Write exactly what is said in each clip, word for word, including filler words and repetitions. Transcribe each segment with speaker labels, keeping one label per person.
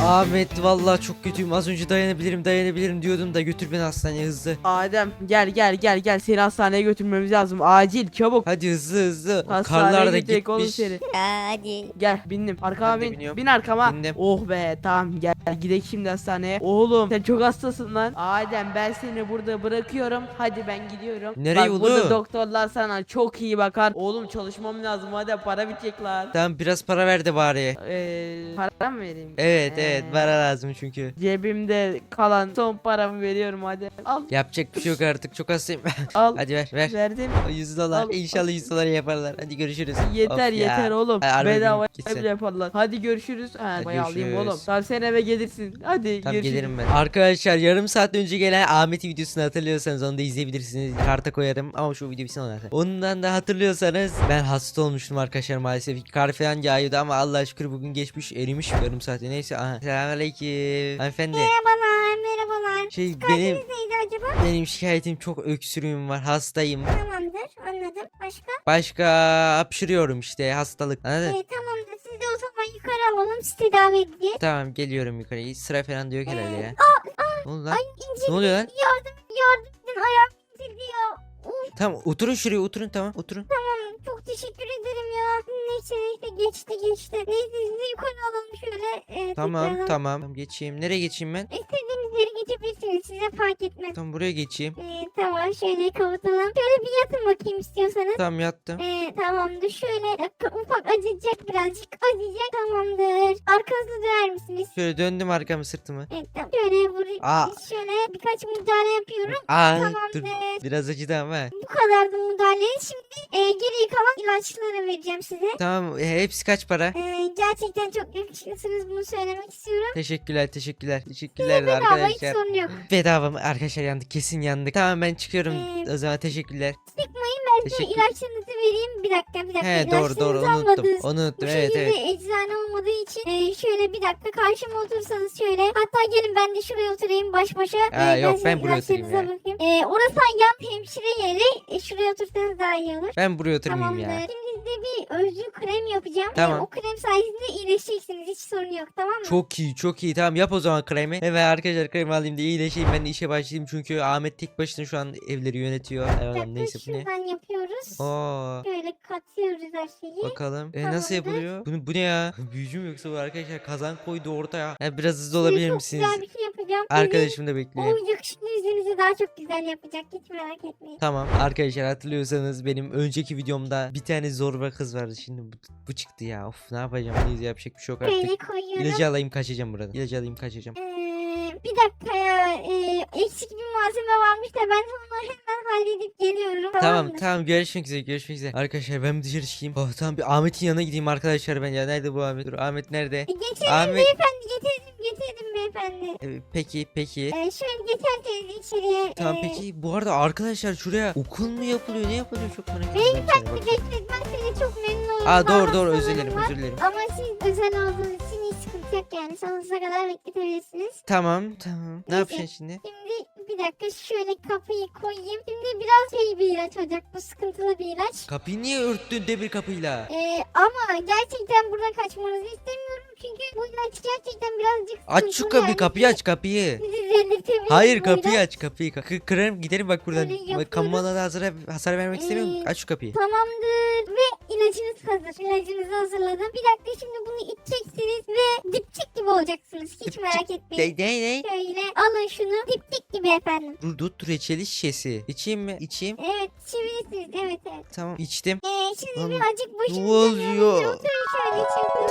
Speaker 1: Ahmet vallahi çok kötüyüm. Az önce dayanabilirim dayanabilirim diyordum da götür beni hastaneye hızlı.
Speaker 2: Adem gel gel gel gel seni hastaneye götürmemiz lazım acil çabuk.
Speaker 1: Hadi hızlı hızlı.
Speaker 2: Hastaneye
Speaker 1: Karlar da
Speaker 2: gidecek oğlum
Speaker 1: gitmiş.
Speaker 2: seni.
Speaker 3: Hadi.
Speaker 2: Gel bindim arkama
Speaker 1: Ben de
Speaker 2: bin.
Speaker 1: biniyorum.
Speaker 2: Bin arkama.
Speaker 1: Bindim.
Speaker 2: Oh be tamam gel gidelim şimdi hastaneye. Oğlum sen çok hastasın lan. Adem ben seni burada bırakıyorum. Hadi ben gidiyorum.
Speaker 1: Nereye
Speaker 2: Bak,
Speaker 1: oğlum?
Speaker 2: burada doktorlar sana çok iyi bakar. Oğlum çalışmam lazım hadi para bitecek lan.
Speaker 1: Tamam biraz para ver de bari.
Speaker 2: Eee para mı vereyim?
Speaker 1: Evet
Speaker 2: Ee,
Speaker 1: evet para lazım çünkü.
Speaker 2: Cebimde kalan son paramı veriyorum hadi. Al
Speaker 1: Yapacak bir şey yok artık çok hastayım.
Speaker 2: al.
Speaker 1: Hadi ver ver.
Speaker 2: Verdim.
Speaker 1: yüz dolar.
Speaker 2: Al.
Speaker 1: İnşallah yüz dolar yaparlar. Hadi görüşürüz.
Speaker 2: Yeter
Speaker 1: Of ya.
Speaker 2: yeter oğlum.
Speaker 1: Ay, harbi
Speaker 2: Bedava
Speaker 1: gitsin.
Speaker 2: bile yaparlar. Hadi görüşürüz. Ha,
Speaker 1: Hadi
Speaker 2: bayağı alayım
Speaker 1: görüşürüz.
Speaker 2: oğlum. Tamam sen eve gelirsin. Hadi
Speaker 1: Tamam
Speaker 2: görüşürüz.
Speaker 1: gelirim ben. Arkadaşlar yarım saat önce gelen Ahmet'in videosunu hatırlıyorsanız onu da izleyebilirsiniz. Karta koyarım ama şu video bitsin ona. Ondan da hatırlıyorsanız ben hasta olmuştum arkadaşlar maalesef. Kar falan yağıyordu ama Allah'a şükür bugün geçmiş erimiş yarım saatte. Neyse aha. Selamünaleyküm. Hanımefendi.
Speaker 3: Merhabalar, merhabalar.
Speaker 1: Şey benim
Speaker 3: Neydi acaba?
Speaker 1: benim şikayetim çok öksürüğüm var. Hastayım.
Speaker 3: Tamamdır, anladım. Başka?
Speaker 1: Başka hapşırıyorum işte hastalık. Anladın?
Speaker 3: Ee, tamamdır. Siz de o zaman yukarı alalım. Sizi tedavi edeceğiz.
Speaker 1: Tamam geliyorum yukarıya. Sıra falan da yok herhalde ya. Ne oldu lan?
Speaker 3: Ay incildi.
Speaker 1: Ne oluyor lan?
Speaker 3: Yardım, yardım edin. Ayağım incildi ya. Uf,
Speaker 1: Tamam oturun şuraya oturun tamam oturun.
Speaker 3: tamam. Çok teşekkür ederim ya. Neyse neyse geçti geçti. Neyse sizi yukarı alalım şöyle. E,
Speaker 1: Tamam
Speaker 3: tekrardan.
Speaker 1: tamam. Tamam, geçeyim. Nereye geçeyim ben?
Speaker 3: İstediğiniz yere geçebilirsiniz. Size fark etmez.
Speaker 1: Tamam buraya geçeyim.
Speaker 3: Ee, tamam şöyle kapatalım. Şöyle bir yatın bakayım istiyorsanız.
Speaker 1: Tamam yattım.
Speaker 3: Ee, tamamdır. Şöyle e, ufak acıyacak birazcık. Acıyacak tamamdır. Arkanızı döner misiniz?
Speaker 1: Şöyle döndüm arkamı sırtımı.
Speaker 3: Evet tamam. Şöyle vurayım.
Speaker 1: Aa.
Speaker 3: Şöyle birkaç müdahale yapıyorum.
Speaker 1: Aa
Speaker 3: Tamamdır.
Speaker 1: dur. Biraz acıdı ama.
Speaker 3: Bu kadardı müdahale. Şimdi e, geriye kalan ilaçları vereceğim size.
Speaker 1: Tamam e, hepsi kaç para?
Speaker 3: Ee, gerçekten çok yakışıklısınız, bunu söylemek istiyorum.
Speaker 1: Teşekkürler teşekkürler. Teşekkürler
Speaker 3: Bedava hiç
Speaker 1: arkadaşlar.
Speaker 3: sorun yok.
Speaker 1: Bedava mı? Arkadaşlar yandık kesin yandık. Tamam ben çıkıyorum.
Speaker 3: Ee,
Speaker 1: O zaman teşekkürler.
Speaker 3: Sıkmayın, ben size
Speaker 1: Teşekkür-
Speaker 3: ilaçlarınızı vereyim. Bir dakika bir dakika.
Speaker 1: He doğru doğru
Speaker 3: İlaçlarınızı
Speaker 1: unuttum.
Speaker 3: almadınız.
Speaker 1: Unuttum
Speaker 3: Bu
Speaker 1: evet
Speaker 3: şekilde
Speaker 1: evet.
Speaker 3: eczane olmadığı için e, şöyle bir dakika karşıma otursanız şöyle. Hatta gelin ben de şuraya oturayım baş başa.
Speaker 1: Aa,
Speaker 3: E,
Speaker 1: yok,
Speaker 3: sizin
Speaker 1: ben buraya oturayım
Speaker 3: ilaçlarınıza
Speaker 1: ya.
Speaker 3: bakayım. E, orası yan hemşire yeri. E, şuraya otursanız daha iyi olur.
Speaker 1: Ben buraya oturmayayım
Speaker 3: Tamamdır.
Speaker 1: ya.
Speaker 3: Şimdi size bir özlü krem yapacağım. E,
Speaker 1: Tamam.
Speaker 3: o krem sayesinde iyileşeceksiniz. Hiç sorun yok, tamam mı?
Speaker 1: Çok iyi çok iyi tamam yap o zaman kremi. Evet arkadaşlar kremi alayım da iyileşeyim ben de işe başlayayım çünkü Ahmet tek başına şu an evleri yönetiyor.
Speaker 3: Bir
Speaker 1: Evet,
Speaker 3: dakika,
Speaker 1: neyse bu ne?
Speaker 3: şuradan yapıyoruz.
Speaker 1: Oo.
Speaker 3: Şöyle katıyoruz her şeyi.
Speaker 1: Bakalım. E,
Speaker 3: Tamamdır.
Speaker 1: nasıl yapılıyor? Bu, bu ne ya? Büyücü mü yoksa bu arkadaşlar kazan koydu ortaya. Ya biraz hızlı
Speaker 3: Size
Speaker 1: olabilir
Speaker 3: çok
Speaker 1: misiniz?
Speaker 3: güzel bir şey yapacağım. Sizin
Speaker 1: Arkadaşım da bekliyor.
Speaker 3: o yakışıklı yüzünüzü daha çok güzel yapacak. Hiç merak etmeyin.
Speaker 1: Tamam arkadaşlar hatırlıyorsanız benim önceki videomda bir tane zorba kız vardı. Şimdi bu, bu çıktı ya. Of ne yapacağım? Neyse yapacak bir şey yok
Speaker 3: Böyle
Speaker 1: artık.
Speaker 3: koyuyorum.
Speaker 1: İlacı alayım kaçacağım buradan. İlacı alayım kaçacağım.
Speaker 3: Ee, bir dakika ya. Ee, eksik bir malzeme varmış da ben onu hemen halledip geliyorum.
Speaker 1: Tamam
Speaker 3: mı?
Speaker 1: tamam görüşmek üzere görüşmek üzere. Arkadaşlar ben bir dışarı çıkayım. Oh tamam bir Ahmet'in yanına gideyim arkadaşlar ben ya. Nerede bu Ahmet? Dur Ahmet nerede?
Speaker 3: E, getirdim
Speaker 1: Ahmet-
Speaker 3: beyefendi, getirdim getirdim beyefendi.
Speaker 1: Ee, peki peki.
Speaker 3: Ee, şöyle geçerseniz içeriye.
Speaker 1: Tamam
Speaker 3: ee,
Speaker 1: peki bu arada arkadaşlar şuraya okul mu yapılıyor ne yapılıyor çok merak ediyorum.
Speaker 3: Beyefendi
Speaker 1: Bakayım.
Speaker 3: bekleyin, ben size çok memnun oldum.
Speaker 1: Aa
Speaker 3: Daha
Speaker 1: doğru doğru özür
Speaker 3: hastalarım
Speaker 1: dilerim
Speaker 3: var.
Speaker 1: özür dilerim.
Speaker 3: Ama siz özel olduğunuz için hiç sıkıntı yok yani. Sonsuza kadar bekletebilirsiniz.
Speaker 1: Tamam tamam. Ne
Speaker 3: Neyse.
Speaker 1: yapacaksın şimdi?
Speaker 3: Şimdi bir dakika şöyle kapıyı koyayım. Şimdi biraz şey bir ilaç olacak. Bu sıkıntılı bir ilaç.
Speaker 1: Kapıyı niye örttün demir kapıyla?
Speaker 3: Ee, ama gerçekten buradan kaçmanızı istemiyorum. Çünkü bu ilaç gerçekten birazcık
Speaker 1: Aç şu
Speaker 3: sıkıntılı
Speaker 1: kapıyı
Speaker 3: yani.
Speaker 1: kapıyı aç kapıyı.
Speaker 3: Sizi delirtebilir
Speaker 1: Hayır
Speaker 3: bu
Speaker 1: kapıyı
Speaker 3: ilaç.
Speaker 1: aç kapıyı. K- kırarım giderim bak buradan.
Speaker 3: Öyle yapıyorum.
Speaker 1: Bak, kamu alanına hasar, hasar vermek istemiyorum.
Speaker 3: Ee,
Speaker 1: Aç şu kapıyı.
Speaker 3: Tamamdır ve ilacınız hazır. İlacınızı hazırladım. Bir dakika şimdi bunu içeceksiniz ve dipçik gibi olacaksınız. Hiç
Speaker 1: Dipçik-
Speaker 3: merak etmeyin.
Speaker 1: Ne ne ne?
Speaker 3: Şöyle alın şunu. Dipçik gibi efendim.
Speaker 1: Dur dur dur reçeli şişesi. İçeyim mi? İçeyim.
Speaker 3: Evet içebilirsiniz. Evet evet.
Speaker 1: Tamam içtim.
Speaker 3: Ee, şimdi
Speaker 1: Lan,
Speaker 3: birazcık
Speaker 1: ne
Speaker 3: başınızı
Speaker 1: oluyor?
Speaker 3: Oturun şöyle için.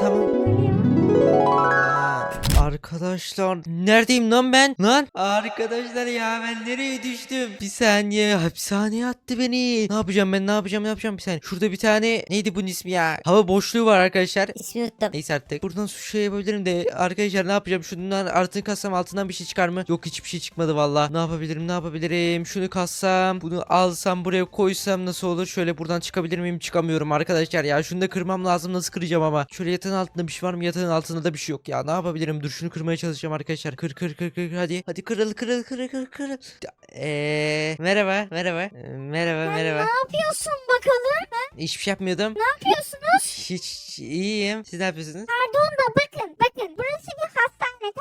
Speaker 1: Tamam. Arkadaşlar neredeyim lan ben? Lan arkadaşlar ya ben nereye düştüm? Bir saniye hapishaneye attı beni. Ne yapacağım ben ne yapacağım ne yapacağım bir saniye. Şurada bir tane neydi bunun ismi ya? Hava boşluğu var arkadaşlar.
Speaker 3: İsmi unuttum.
Speaker 1: Neyse artık. Buradan su şey yapabilirim de arkadaşlar ne yapacağım? Şundan artık kassam altından bir şey çıkar mı? Yok hiçbir şey çıkmadı valla. Ne yapabilirim ne yapabilirim? Şunu kassam bunu alsam buraya koysam nasıl olur? Şöyle buradan çıkabilir miyim? Çıkamıyorum arkadaşlar ya. Şunu da kırmam lazım. Nasıl kıracağım ama? Şöyle yatağın altında bir şey var mı? Yatağın altında da bir şey yok ya. Ne yapabilirim? Dur şunu kırmaya çalışacağım arkadaşlar. Kır kır kır kır hadi. Hadi kırıl kırıl kırıl kırıl kırıl. Eee merhaba merhaba. Ee, merhaba merhaba.
Speaker 3: Ne yapıyorsun bakalım?
Speaker 1: Hiçbir şey yapmıyordum.
Speaker 3: Ne yapıyorsunuz?
Speaker 1: Hiç iyiyim. Siz ne yapıyorsunuz?
Speaker 3: Pardon da bakın bakın burası bir hastane,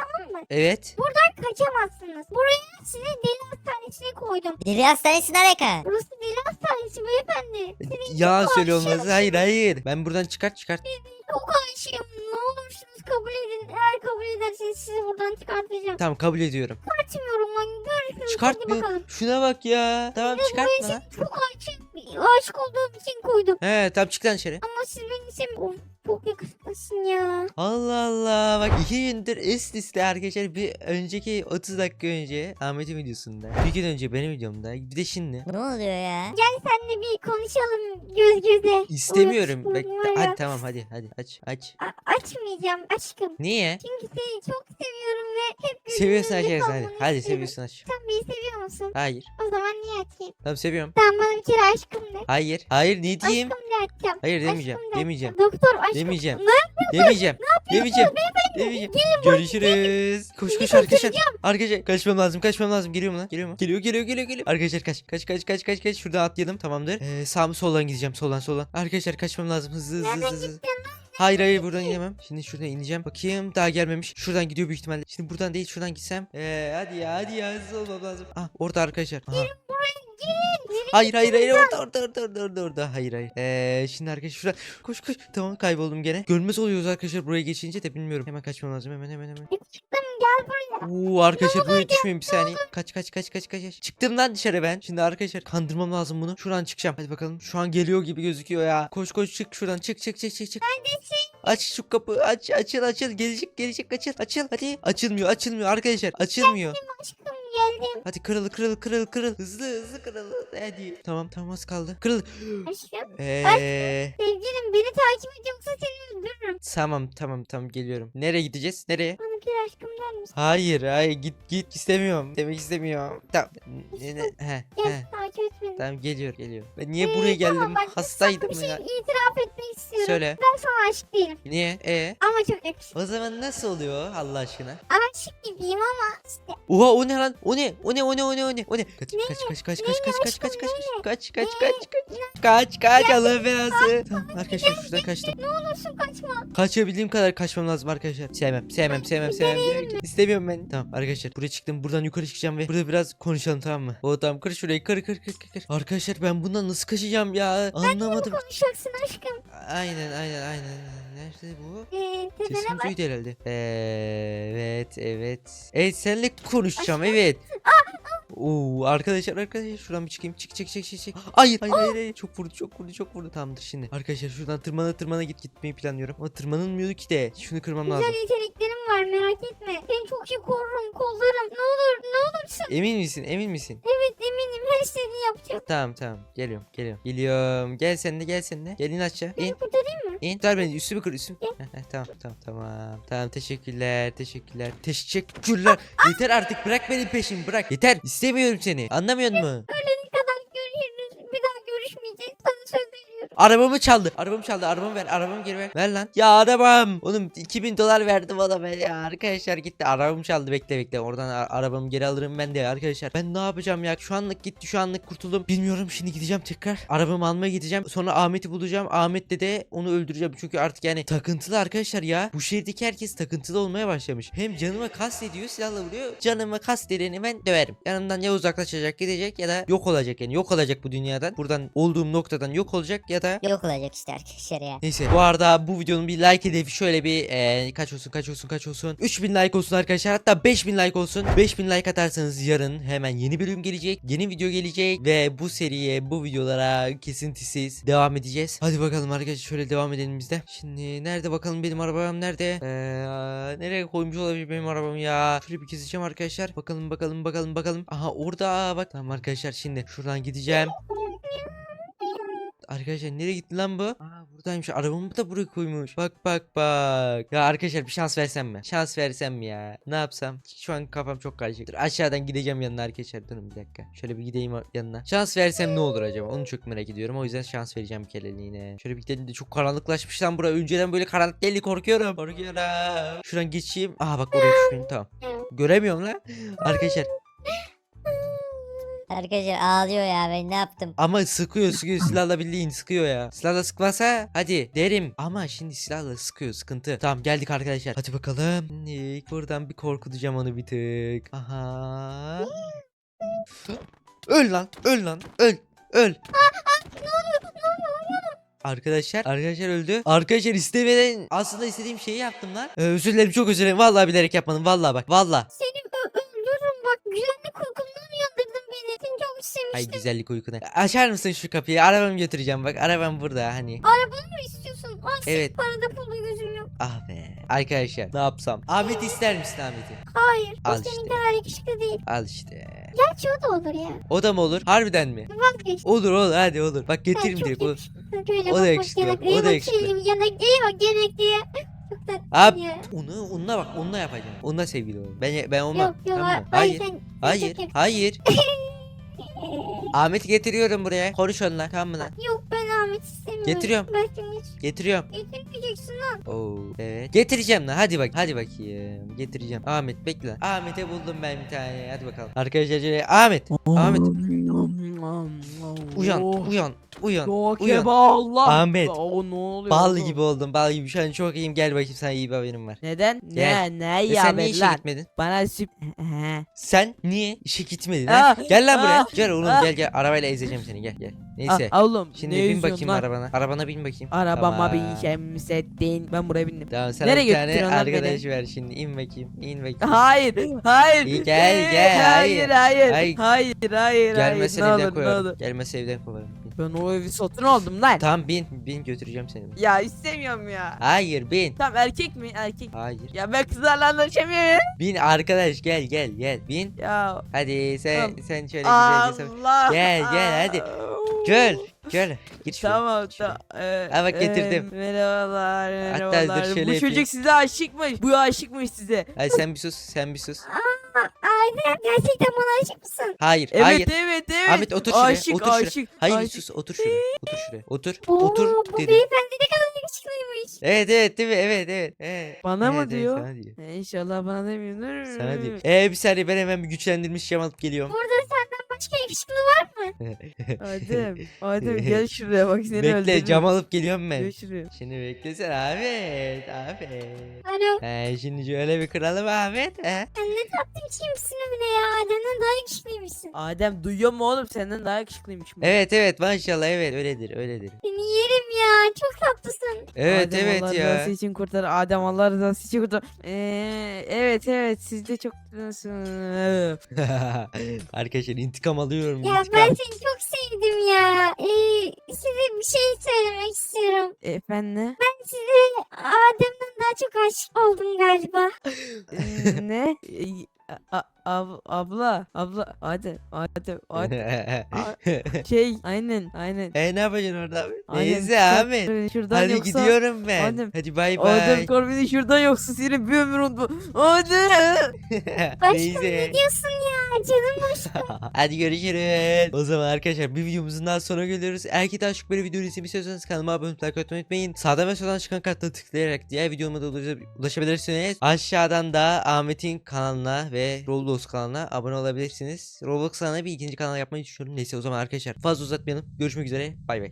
Speaker 1: Evet.
Speaker 3: Kaçamazsınız. Buraya sizi deli hastanesine koydum.
Speaker 4: Deli hastanesi ne alaka?
Speaker 3: Burası deli hastanesi beyefendi.
Speaker 1: Yalan
Speaker 3: çok
Speaker 1: söylüyor
Speaker 3: aşığım.
Speaker 1: olmaz. Hayır hayır. Ben buradan çıkart çıkart.
Speaker 3: Çok aşığım. Ne olursunuz kabul edin. Eğer kabul ederseniz sizi buradan çıkartacağım.
Speaker 1: Tamam kabul ediyorum.
Speaker 3: Kaçmıyorum lan. Görüşürüz. Hadi
Speaker 1: Çıkartmıyor.
Speaker 3: bakalım.
Speaker 1: Şuna bak ya. Tamam çıkartma
Speaker 3: Buraya
Speaker 1: lan.
Speaker 3: sizi çok aşık, aşık olduğum için koydum.
Speaker 1: He tamam çık lan dışarı.
Speaker 3: Ama siz beni sevmiyorsunuz. Of, çok yakışıklısın ya.
Speaker 1: Allah Allah. Bak iki gündür üst üste arkadaşlar. Bir önceki otuz dakika önce Ahmet'in videosunda. Bir gün önce benim videomda. Bir de şimdi.
Speaker 4: Ne oluyor ya?
Speaker 3: Gel seninle bir konuşalım göz göze.
Speaker 1: İstemiyorum. Bak,
Speaker 3: Uyuşturucu var ya.
Speaker 1: hadi tamam hadi hadi aç aç.
Speaker 3: A- açmayacağım aşkım.
Speaker 1: Niye?
Speaker 3: Çünkü seni çok seviyorum ve hep gözümün
Speaker 1: Seviyorsun
Speaker 3: önünde
Speaker 1: açarsın hadi.
Speaker 3: kalmanı
Speaker 1: Hadi
Speaker 3: istiyorum.
Speaker 1: seviyorsun aç.
Speaker 3: Sen beni seviyor musun?
Speaker 1: Hayır.
Speaker 3: O zaman niye açayım?
Speaker 1: Tamam seviyorum.
Speaker 3: Sen bana bir kere aşkım de.
Speaker 1: Hayır. Hayır ne diyeyim?
Speaker 3: Aşkım de açacağım.
Speaker 1: Hayır demeyeceğim.
Speaker 3: Aşkım de
Speaker 1: Demeyeceğim.
Speaker 3: açacağım. Doktor aşkım.
Speaker 1: Demeyeceğim.
Speaker 3: Ne?
Speaker 1: Demeyeceğim. Demeyeceğim. Demeyeceğim. Görüşürüz. Koş koş arkadaşlar. Arkadaşlar kaçmam lazım. Kaçmam lazım. Geliyor mu lan? Geliyor mu? Geliyor geliyor geliyor geliyor. Arkadaşlar kaç. Kaç kaç kaç kaç kaç. Şurada atlayalım. Tamamdır. Ee, sağ mı soldan gideceğim. Soldan soldan. Arkadaşlar kaçmam lazım. Hızlı hızlı
Speaker 3: Nereden
Speaker 1: hızlı. hızlı.
Speaker 3: gittin lan?
Speaker 1: Hayır hayır buradan inemem. Şimdi şuradan ineceğim. Bakayım daha gelmemiş. Şuradan gidiyor büyük ihtimalle. Şimdi buradan değil şuradan gitsem. Ee, hadi ya hadi ya hızlı olmam lazım. Ah orada arkadaşlar. Aha.
Speaker 3: Girin.
Speaker 1: Hayır hayır hayır orada orada orada orada orada orada hayır hayır. Ee, şimdi arkadaşlar şurada koş koş tamam kayboldum gene. Görmez oluyoruz arkadaşlar buraya geçince de bilmiyorum. Hemen kaçmam lazım hemen hemen hemen.
Speaker 3: Çıktım gel buraya.
Speaker 1: Oo arkadaşlar buraya düşmeyin bir saniye. Kaç kaç kaç kaç kaç. Çıktım lan dışarı ben. Şimdi arkadaşlar kandırmam lazım bunu. Şuradan çıkacağım. Hadi bakalım. Şu an geliyor gibi gözüküyor ya. Koş koş çık şuradan çık çık çık çık çık.
Speaker 3: Neredesin?
Speaker 1: Aç şu kapı aç açıl açıl gelecek gelecek açıl açıl hadi. Açılmıyor açılmıyor arkadaşlar açılmıyor.
Speaker 3: Aşkım geldim.
Speaker 1: Hadi kırıl kırıl kırıl kırıl hızlı hızlı kırıl hadi. Tamam tamam az kaldı. Kırıl.
Speaker 3: Aşkım.
Speaker 1: Eee
Speaker 3: Sevgilim beni takip et yoksa seni öldürürüm.
Speaker 1: tamam tamam tamam geliyorum. Nereye gideceğiz? Nereye?
Speaker 3: Bana bir kere aşkım der misin?
Speaker 1: Hayır hayır git git istemiyorum. Demek istemiyorum. Tamam. Ne, ne, he,
Speaker 3: Gel
Speaker 1: he.
Speaker 3: takip et beni.
Speaker 1: Tamam geliyor geliyor. Ben niye
Speaker 3: Ee,
Speaker 1: buraya geldim?
Speaker 3: tamam, bak,
Speaker 1: Hastaydım
Speaker 3: sana bir
Speaker 1: ya.
Speaker 3: şey itiraf etmek istiyorum.
Speaker 1: Söyle.
Speaker 3: Ben sana aşık değilim.
Speaker 1: Niye? E
Speaker 3: Ama çok yakışıklı.
Speaker 1: o zaman nasıl oluyor Allah aşkına?
Speaker 3: Aşık gibiyim ama işte.
Speaker 1: Oha o ne lan? O ne? O ne? O ne? O ne? O ne? O ne? Kaç
Speaker 3: Ne?
Speaker 1: kaç kaç kaç
Speaker 3: Ne
Speaker 1: kaç
Speaker 3: ne
Speaker 1: kaç kaç
Speaker 3: aşkım,
Speaker 1: kaç
Speaker 3: ne
Speaker 1: kaç
Speaker 3: ne?
Speaker 1: kaç kaç
Speaker 3: Ne?
Speaker 1: kaç kaç kaç Allah belası. Tamam arkadaşlar şuradan kaçtım.
Speaker 3: Ne olursun kaçma.
Speaker 1: Kaçabildiğim kadar kaçmam lazım arkadaşlar. Sevmem, sevmem, sevmem, sevmem. İstemiyorum ben. Tamam arkadaşlar buraya çıktım. Buradan yukarı çıkacağım ve burada biraz konuşalım tamam mı? O tamam kır şurayı kır kır kır kır. kır. Arkadaşlar ben bundan nasıl kaçacağım ya? Anlamadım.
Speaker 3: Konuşacaksın aşkım.
Speaker 1: Aynen aynen aynen. Nerede bu?
Speaker 3: Ee, tepene
Speaker 1: Sesim
Speaker 3: bak.
Speaker 1: duydu herhalde. Evet evet. Evet seninle konuşacağım evet. Oo arkadaşlar arkadaşlar şuradan bir çıkayım. Çık çık çık çık çık. Hayır hayır hayır, hayır. Çok vurdu çok vurdu çok vurdu. Tamamdır şimdi. Arkadaşlar şuradan tırmana tırmana git gitmeyi planlıyorum. Ama tırmanılmıyor ki de. Şunu kırmam lazım.
Speaker 3: Güzel yeteneklerim var merak etme. Seni çok iyi korurum kollarım. Ne olur ne olursun.
Speaker 1: Emin misin? Emin misin?
Speaker 3: Evet eminim her istediğini yapacağım.
Speaker 1: Tamam tamam. Geliyorum geliyorum. Geliyorum. Gel sen de gel sen de. Gel in aşağı. İn.
Speaker 3: Beni kurtarayım mı?
Speaker 1: İn. Ver beni üstümü kır üstümü. Heh, heh, tamam tamam tamam. Tamam teşekkürler teşekkürler. Teşekkürler. Yeter artık bırak benim peşimi bırak. Yeter. İstemiyorum seni. Anlamıyor musun?
Speaker 3: Ölene kadar görüşürüz. Bir daha görüşmeyeceğiz. Sana söz veriyorum.
Speaker 1: Arabamı çaldı. Arabamı çaldı. Arabamı ver. Arabamı geri ver. Ver lan. Ya arabam. Oğlum iki bin dolar verdim ona ben ya. Arkadaşlar gitti. Arabamı çaldı. Bekle bekle. Oradan a- arabamı geri alırım ben de arkadaşlar. Ben ne yapacağım ya? Şu anlık gitti. Şu anlık kurtuldum. Bilmiyorum. Şimdi gideceğim tekrar. Arabamı almaya gideceğim. Sonra Ahmet'i bulacağım. Ahmet'le de onu öldüreceğim. Çünkü artık yani takıntılı arkadaşlar ya. Bu şehirdeki herkes takıntılı olmaya başlamış. Hem canıma kast ediyor. Silahla vuruyor. Canıma kast edeni ben döverim. Yanımdan ya uzaklaşacak gidecek ya da yok olacak yani. Yok olacak bu dünyadan. Buradan olduğum noktadan yok olacak ya da
Speaker 4: Yok olacak işte arkadaşlar ya.
Speaker 1: neyse bu arada bu videonun bir like hedefi şöyle bir eee, kaç olsun kaç olsun kaç olsun üç bin like olsun arkadaşlar, hatta beş bin like olsun. Beş bin like atarsanız yarın hemen yeni bölüm gelecek, yeni video gelecek ve bu seriye, bu videolara kesintisiz devam edeceğiz. Hadi bakalım arkadaşlar şöyle devam edelim biz de. Şimdi nerede bakalım benim arabam nerede? Eee, nereye koymuş olabilir benim arabamı ya? Şöyle bir keseceğim arkadaşlar. Bakalım bakalım bakalım bakalım. Aha orada bak. Tamam arkadaşlar şimdi şuradan gideceğim. Arkadaşlar nereye gitti lan bu? Aa buradaymış. Arabamı da buraya koymuş. Bak bak bak. Ya arkadaşlar bir şans versem mi? Şans versem mi ya? Ne yapsam? Şu an kafam çok karışık. Dur, aşağıdan gideceğim yanına arkadaşlar. Durun bir dakika. Şöyle bir gideyim yanına. Şans versem ne olur acaba? Onu çok merak ediyorum. O yüzden şans vereceğim bir kereliğine. Şöyle bir gidelim de çok karanlıklaşmış lan bura. Önceden böyle karanlık değildi, korkuyorum. Korkuyorum. Şuradan geçeyim. Aha bak oraya düşmeyin tamam. Göremiyorum lan. Arkadaşlar
Speaker 4: Arkadaşlar ağlıyor ya, ben ne yaptım?
Speaker 1: Ama sıkıyor sıkıyor silahla bildiğin sıkıyor ya. Silahla sıkmasa hadi derim. Ama şimdi silahla sıkıyor sıkıntı. Tamam geldik arkadaşlar. Hadi bakalım. Şimdi buradan bir korkutacağım onu bir tık. Aha. Öl lan öl lan öl öl. Arkadaşlar arkadaşlar öldü. Arkadaşlar istemeden aslında istediğim şeyi yaptım lan. Ee, özür dilerim çok özür dilerim. Vallahi bilerek yapmadım. Vallahi bak vallahi.
Speaker 3: Seni ö- öldürürüm bak. Güvenlik uykumdan uyandırdın beni. Seni çok
Speaker 1: Ay
Speaker 3: istemiştim.
Speaker 1: güzellik uykuna. Açar mısın şu kapıyı? Arabamı götüreceğim bak. Arabam burada hani.
Speaker 3: Arabanı mı istiyorsun? Ay
Speaker 1: Evet.
Speaker 3: evet. Parada pulda gözüm yok.
Speaker 1: Ah be. Arkadaşlar ne yapsam? Ahmet ister misin Ahmet'i?
Speaker 3: Hayır.
Speaker 1: Al
Speaker 3: o senin
Speaker 1: işte.
Speaker 3: kadar yakışıklı değil.
Speaker 1: Al işte.
Speaker 3: Gerçi o da olur ya.
Speaker 1: O da mı olur? Harbiden mi?
Speaker 3: Vazgeç.
Speaker 1: Olur olur hadi olur. Bak
Speaker 3: Sen
Speaker 1: getireyim
Speaker 3: çok
Speaker 1: direkt. Olur.
Speaker 3: yakışıklısın. Şöyle
Speaker 1: O da
Speaker 3: bak bak
Speaker 1: yakışıklı,
Speaker 3: yanaklıya
Speaker 1: o da
Speaker 3: bak
Speaker 1: yakışıklı.
Speaker 3: şöyle yanaklıya bak yanaklıya. Çok tatlı
Speaker 1: Abi
Speaker 3: ya.
Speaker 1: onu onunla bak onunla yapacağım. Onunla sevgili ol. Ben ben olmam.
Speaker 3: Yok yok.
Speaker 1: Tamam mı?
Speaker 3: Hayır.
Speaker 1: Hayır.
Speaker 3: Sen, sen
Speaker 1: Hayır.
Speaker 3: çok yakışıklısın.
Speaker 1: Hayır. Ahmet'i getiriyorum buraya. Konuş onunla tamam mı lan?
Speaker 3: Yok ben Ahmet istemiyorum.
Speaker 1: Getiriyorum.
Speaker 3: Ben seni hiç
Speaker 1: Getiriyorum.
Speaker 3: getirmeyeceksin lan.
Speaker 1: Oo evet. Getireceğim lan. Hadi bak. Hadi bakayım. Getireceğim. Ahmet bekle. Ahmet'e buldum ben bir tane. Hadi bakalım. Arkadaşlar şöyle Ahmet. Ahmet. Uyan.
Speaker 2: Oh.
Speaker 1: Uyan. Uyan.
Speaker 2: Yok
Speaker 1: Uyan.
Speaker 2: eba Allah.
Speaker 1: Ahmet.
Speaker 2: O ne oluyor?
Speaker 1: Bal
Speaker 2: oğlum?
Speaker 1: gibi oldum. Bal gibi. Şu an çok iyiyim. Gel bakayım sana iyi bir haberim var.
Speaker 2: Neden?
Speaker 1: Gel.
Speaker 2: Ne ne
Speaker 1: E
Speaker 2: ya
Speaker 1: sen niye
Speaker 2: be
Speaker 1: işe
Speaker 2: lan?
Speaker 1: gitmedin?
Speaker 2: Bana süp... He.
Speaker 1: Sen niye işe gitmedin ha?
Speaker 2: Ah,
Speaker 1: Gel lan buraya.
Speaker 2: ah,
Speaker 1: Gel oğlum
Speaker 2: ah.
Speaker 1: gel gel. Arabayla ezeceğim seni gel gel. Neyse.
Speaker 2: Ah, oğlum
Speaker 1: Şimdi
Speaker 2: ne
Speaker 1: bin
Speaker 2: yüzüyorsun
Speaker 1: bakayım
Speaker 2: lan?
Speaker 1: arabana. Arabana bin bakayım.
Speaker 2: Arabama
Speaker 1: Tamam.
Speaker 2: bir şemsettin. Ben buraya bindim.
Speaker 1: Tamam sana
Speaker 2: Nereye
Speaker 1: bir tane
Speaker 2: götürüyorsun lan beni?
Speaker 1: arkadaş ver şimdi. İn bakayım. İn bakayım.
Speaker 2: Hayır, hayır.
Speaker 1: İyi, gel,
Speaker 2: Ee,
Speaker 1: gel,
Speaker 2: Hayır,
Speaker 1: hayır.
Speaker 2: hayır.
Speaker 1: Hayır.
Speaker 2: Hayır, hayır,
Speaker 1: Gelmezsen
Speaker 2: hayır. Ne
Speaker 1: evden
Speaker 2: olur, ne
Speaker 1: koyarım.
Speaker 2: olur.
Speaker 1: Gelmezsen evden kovarım. Bin.
Speaker 2: Ben o evi satın aldım lan.
Speaker 1: Tamam bin. Bin götüreceğim seni.
Speaker 2: Ya istemiyorum ya.
Speaker 1: Hayır bin.
Speaker 2: Tamam erkek mi? Erkek.
Speaker 1: Hayır.
Speaker 2: Ya ben kızlarla anlaşamıyorum.
Speaker 1: Bin arkadaş gel gel gel. Bin.
Speaker 2: Ya
Speaker 1: Hadi sen
Speaker 2: Tamam.
Speaker 1: sen şöyle güzelce sor-
Speaker 2: Allah.
Speaker 1: Gel, gel, hadi. Gel. Gel. Git şuraya.
Speaker 2: Tamam
Speaker 1: git şuraya.
Speaker 2: tamam. Ee,
Speaker 1: Ha, bak getirdim.
Speaker 2: e, merhabalar
Speaker 1: Hatta dur
Speaker 2: merhabalar.
Speaker 1: şöyle
Speaker 2: Bu
Speaker 1: yapayım.
Speaker 2: çocuk size aşıkmış. Bu aşıkmış size.
Speaker 1: Hadi sen bir sus. Sen bir sus.
Speaker 3: Aynen gerçekten bana aşık mısın?
Speaker 1: Hayır.
Speaker 2: Evet
Speaker 1: hayır.
Speaker 2: evet evet.
Speaker 1: Ahmet otur şuraya.
Speaker 2: Aşık
Speaker 1: otur şuraya.
Speaker 2: aşık.
Speaker 1: Hayır
Speaker 2: aşık.
Speaker 1: sus otur şuraya. Otur şuraya. Otur.
Speaker 3: Oo,
Speaker 1: otur
Speaker 3: bu
Speaker 1: dedim.
Speaker 3: beyefendi ne kadar yakışıklıymış.
Speaker 1: Evet evet değil mi? Evet evet. evet.
Speaker 2: Bana
Speaker 1: Evet,
Speaker 2: mı
Speaker 1: evet,
Speaker 2: diyor?
Speaker 1: sana diyor.
Speaker 2: E, İnşallah bana demiyor.
Speaker 1: Sana diyor. Ee bir saniye ben hemen bir güçlendirilmiş şam alıp geliyorum.
Speaker 3: Burada senden başka yakışıklı var mı?
Speaker 2: Adem, Adem gel şuraya bak seni
Speaker 1: Bekle
Speaker 2: öldürürüm.
Speaker 1: cam alıp geliyorum ben.
Speaker 2: Gel şuraya.
Speaker 1: Şimdi beklesene Ahmet. Ahmet.
Speaker 3: Alo.
Speaker 1: He şimdi şöyle bir kıralım Ahmet. He.
Speaker 3: Sen ne tatlı bir şeymişsin öyle ya. Adem'den daha yakışıklıymışsın.
Speaker 2: Adem duyuyor mu oğlum senden daha yakışıklıymış bu.
Speaker 1: Evet evet maşallah evet öyledir öyledir.
Speaker 3: Seni yerim ya. Çok tatlısın.
Speaker 1: Evet
Speaker 2: Adem
Speaker 1: evet
Speaker 2: Allah
Speaker 1: ya.
Speaker 2: rızası için kurtar. Adem Allah rızası için kurtar. Ee, evet evet siz de çok
Speaker 1: Arkadaşlar intikam alıyorum.
Speaker 3: Ya
Speaker 1: intikam.
Speaker 3: ben seni çok sevdim ya. Ee, size bir şey söylemek istiyorum.
Speaker 2: Efendim?
Speaker 3: Ben size Adem'den daha çok aşık oldum galiba.
Speaker 2: Ee, ne? Ee, a- ab- abla, abla, Adem, Adem, Adem. Şey, aynen, aynen.
Speaker 1: e ne yapacaksın orada abi?
Speaker 2: Adem,
Speaker 1: Neyse
Speaker 2: çıkar
Speaker 1: Ahmet.
Speaker 2: beni şuradan
Speaker 1: Hadi
Speaker 2: yoksa...
Speaker 1: gidiyorum ben.
Speaker 2: Adem,
Speaker 1: Hadi bay
Speaker 2: Adem
Speaker 1: bay.
Speaker 2: kor beni şuradan yoksa seni bir ömür unutma. Adem!
Speaker 3: Aşkım
Speaker 1: Neyse.
Speaker 3: ne diyorsun ya? Canım aşkım.
Speaker 1: Hadi görüşürüz. O zaman arkadaşlar bir videomuzun daha sonuna geliyoruz. Eğer ki daha çok böyle video izlemek istiyorsanız kanalıma abone olmayı, like atmayı unutmayın. Sağdan ve soldan çıkan kartla tıklayarak diğer videoma da ulaşa- ulaşabilirsiniz. Aşağıdan da Ahmet'in kanalına ve Roblox kanalına abone olabilirsiniz. Roblox kanalına bir ikinci kanal yapmayı düşünüyorum. Neyse o zaman arkadaşlar fazla uzatmayalım. Görüşmek üzere. Bay bay.